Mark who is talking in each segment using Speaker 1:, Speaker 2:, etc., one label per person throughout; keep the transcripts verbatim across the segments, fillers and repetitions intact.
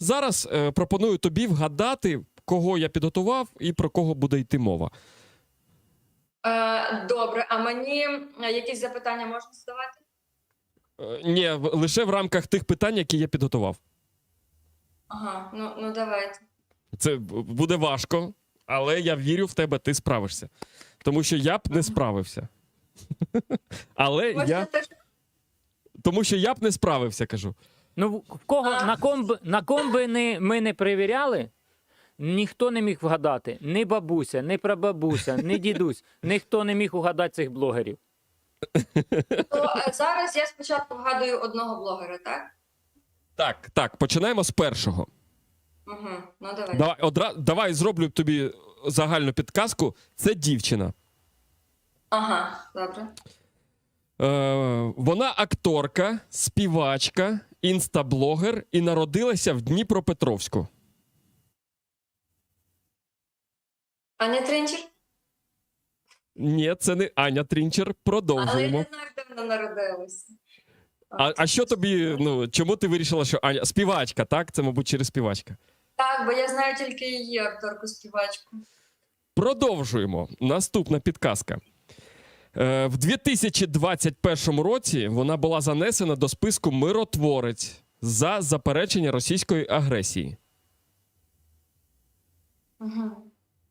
Speaker 1: зараз е, пропоную тобі вгадати, кого я підготував і про кого буде йти мова.
Speaker 2: Е, добре, а мені якісь запитання можна задавати?
Speaker 1: Е, ні, в- лише в рамках тих питань, які я підготував.
Speaker 2: Ага, ну, ну давайте.
Speaker 1: Це б- буде важко, але я вірю в тебе, ти справишся. Тому що я б не справився. Але
Speaker 2: Можна
Speaker 1: я...
Speaker 2: теж?
Speaker 1: Тому що я б не справився, кажу.
Speaker 3: Ну, в кого,
Speaker 2: А.
Speaker 3: на ком би, на ком би не, ми не перевіряли, ніхто не міг вгадати. Ні бабуся, ні прабабуся, ні дідусь. Ніхто не міг угадати цих блогерів.
Speaker 2: То е, зараз я спочатку вгадую одного блогера, так?
Speaker 1: Так, так, починаємо з першого.
Speaker 2: Угу, ну давай.
Speaker 1: Давай, одра... Давай зроблю тобі загальну підказку. Це дівчина.
Speaker 2: Ага, добре.
Speaker 1: Е, вона акторка, співачка, інстаблогер і народилася в Дніпропетровську.
Speaker 2: Аня Тринчер?
Speaker 1: Ні, це не Аня Трінчер.
Speaker 2: Але я
Speaker 1: Продовжуємо.
Speaker 2: не знаю, де вона народилася.
Speaker 1: А, а що тобі, ну, чому ти вирішила, що Аня... Співачка, так? Це, мабуть, через співачка.
Speaker 2: Так, бо я знаю тільки її акторку-співачку.
Speaker 1: Продовжуємо. Наступна підказка. Е, в дві тисячі двадцять першому році вона була занесена до списку «Миротворець» за заперечення російської агресії.
Speaker 2: Угу.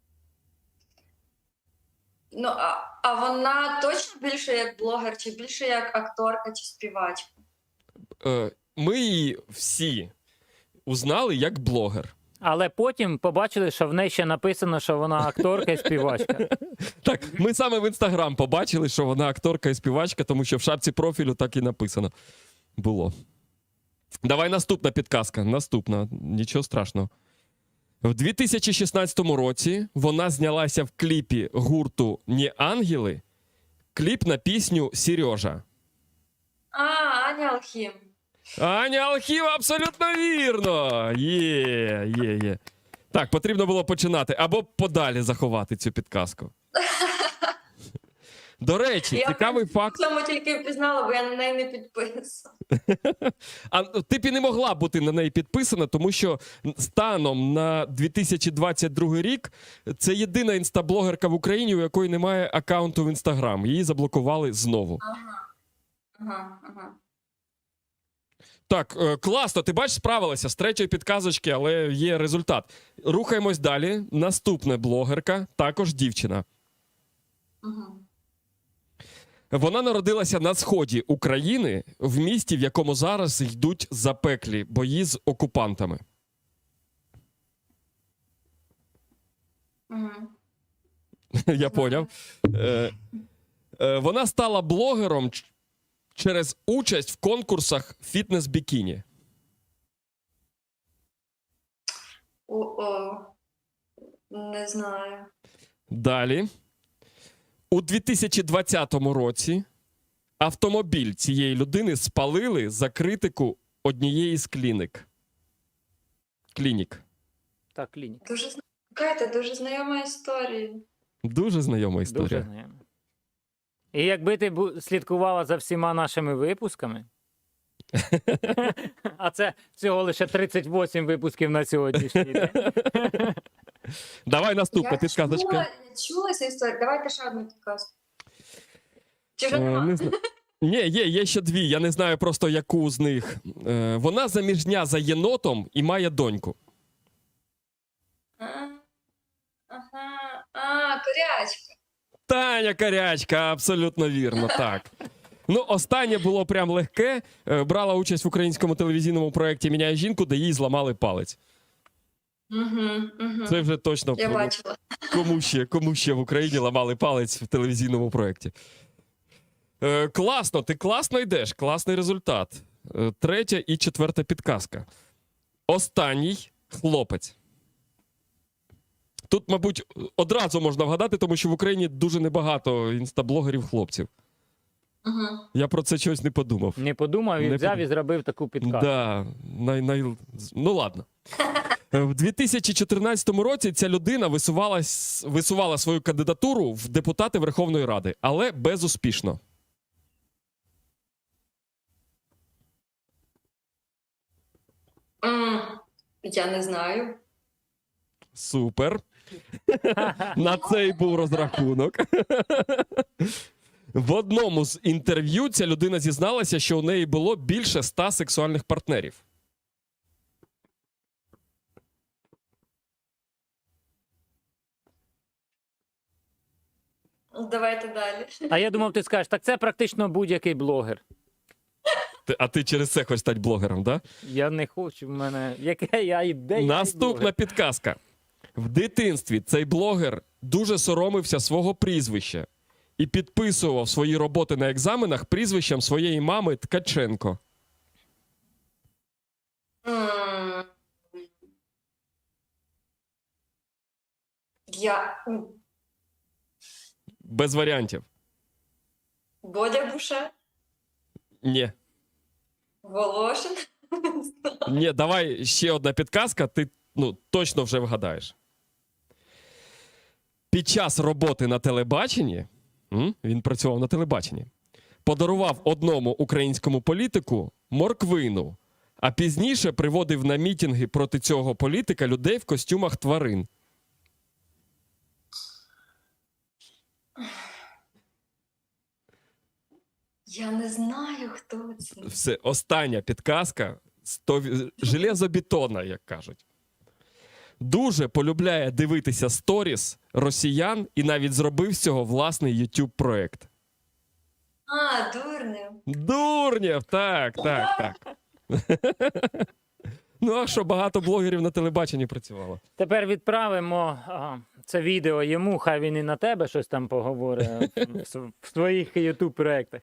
Speaker 2: Ну, а, а вона точно більше як блогер, чи більше як акторка, чи співачка?
Speaker 1: Е, ми її всі узнали як блогер.
Speaker 3: Але потім побачили, що в неї ще написано, що вона акторка і співачка.
Speaker 1: Так, ми саме в Інстаграм побачили, що вона акторка і співачка, тому що в шапці профілю так і написано було. Давай наступна підказка. Наступна. Нічого страшного. В дві тисячі шістнадцятому році вона знялася в кліпі гурту «Не ангели», кліп на пісню «Сережа».
Speaker 2: А, Аня Алхім.
Speaker 1: Аня Алхіва, абсолютно вірно! Є, є, є. Так, потрібно було починати. Або подалі заховати цю підказку. До речі,
Speaker 2: Я
Speaker 1: цікавий факт.
Speaker 2: В цьому тільки впізнала, бо я на неї не підписана.
Speaker 1: А ти б і не могла бути на неї підписана, тому що станом на дві тисячі двадцять другий рік це єдина інстаблогерка в Україні, у якої немає аккаунту в Інстаграм. Її заблокували знову.
Speaker 2: Ага, ага, ага.
Speaker 1: Так, е, класно, ти бачиш, справилася з третьої підказочки, але є результат. Рухаємось далі. Наступна блогерка, також дівчина.
Speaker 2: Угу.
Speaker 1: Вона народилася на сході України, в місті, в якому зараз йдуть запеклі бої з окупантами.
Speaker 2: Угу.
Speaker 1: Я поняв. Е, е, Вона стала блогером ч- через участь в конкурсах фітнес-бікіні.
Speaker 2: О-о. Не знаю.
Speaker 1: Далі. У дві тисячі двадцятому році автомобіль цієї людини спалили за критику однієї з клінік. Клінік.
Speaker 3: Так, клінік.
Speaker 2: Дуже зна- Катя, дуже знайома історія.
Speaker 1: Дуже знайома історія.
Speaker 3: Дуже знайомо. І якби ти бу- слідкувала за всіма нашими випусками, а це всього лише тридцять вісім випусків на сьогоднішній день.
Speaker 1: Давай наступна
Speaker 2: Я
Speaker 1: підказочка.
Speaker 2: чула, я чула цю історію. Давайте ще одну підказку. Чи вже
Speaker 1: Е,
Speaker 2: нема?
Speaker 1: не зна- Ні, є, є ще дві. Я не знаю просто, яку з них. Е, Вона заміжня за єнотом і має доньку.
Speaker 2: А, ага, а, корячка.
Speaker 1: Таня Карячка, абсолютно вірно, так. Ну, останнє було прям легке. Е, Брала участь в українському телевізійному проєкті «Міняє жінку», де їй зламали палець.
Speaker 2: Угу, угу.
Speaker 1: Це вже точно
Speaker 2: Я
Speaker 1: про-
Speaker 2: бачила.
Speaker 1: кому ще, кому ще в Україні ламали палець в телевізійному проєкті. Е, класно, ти класно йдеш, класний результат. Е, третя і четверта підказка. Останній хлопець. Тут, мабуть, одразу можна вгадати, тому що в Україні дуже небагато інстаблогерів-хлопців.
Speaker 2: Угу.
Speaker 1: Я про це щось не подумав.
Speaker 3: Не подумав і
Speaker 1: Не
Speaker 3: взяв
Speaker 1: подумав.
Speaker 3: і зробив таку підказку.
Speaker 1: Да, най, най... Ну ладно. Е, В дві тисячі чотирнадцятому році ця людина висувалась, висувала свою кандидатуру в депутати Верховної Ради, але безуспішно.
Speaker 2: М, Я не знаю.
Speaker 1: Супер. На це й був розрахунок. В одному з інтерв'ю ця людина зізналася, що у неї було більше ста сексуальних партнерів.
Speaker 2: Давайте далі.
Speaker 3: А я думав, ти скажеш, так це практично будь-який блогер.
Speaker 1: Ти- А ти через це хочеш стати блогером, так? Да?
Speaker 3: Я не хочу, в мене. Яке я ідея?
Speaker 1: Наступна підказка. В дитинстві цей блогер дуже соромився свого прізвища і підписував свої роботи на екзаменах прізвищем своєї мами Ткаченко.
Speaker 2: М. Я... м,
Speaker 1: Без варіантів.
Speaker 2: Бодя Буше?
Speaker 1: Ні.
Speaker 2: Волошин?
Speaker 1: Ні, давай ще одна підказка, ти ну, точно вже вгадаєш. Під час роботи на телебаченні, м, він працював на телебаченні, подарував одному українському політику морквину, а пізніше приводив на мітинги проти цього політика людей в костюмах тварин.
Speaker 2: Я не знаю, хто це.
Speaker 1: Все, остання підказка сто... железобетонна, як кажуть. Дуже полюбляє дивитися сторіс росіян і навіть зробив з цього власний YouTube проект.
Speaker 2: А, дурнів.
Speaker 1: Дурнєв, так, так, так. Ну, а що, багато блогерів на телебаченні працювало.
Speaker 3: Тепер відправимо а, це відео йому, хай він і на тебе щось там поговорить в, в своїх ютуб проєктах.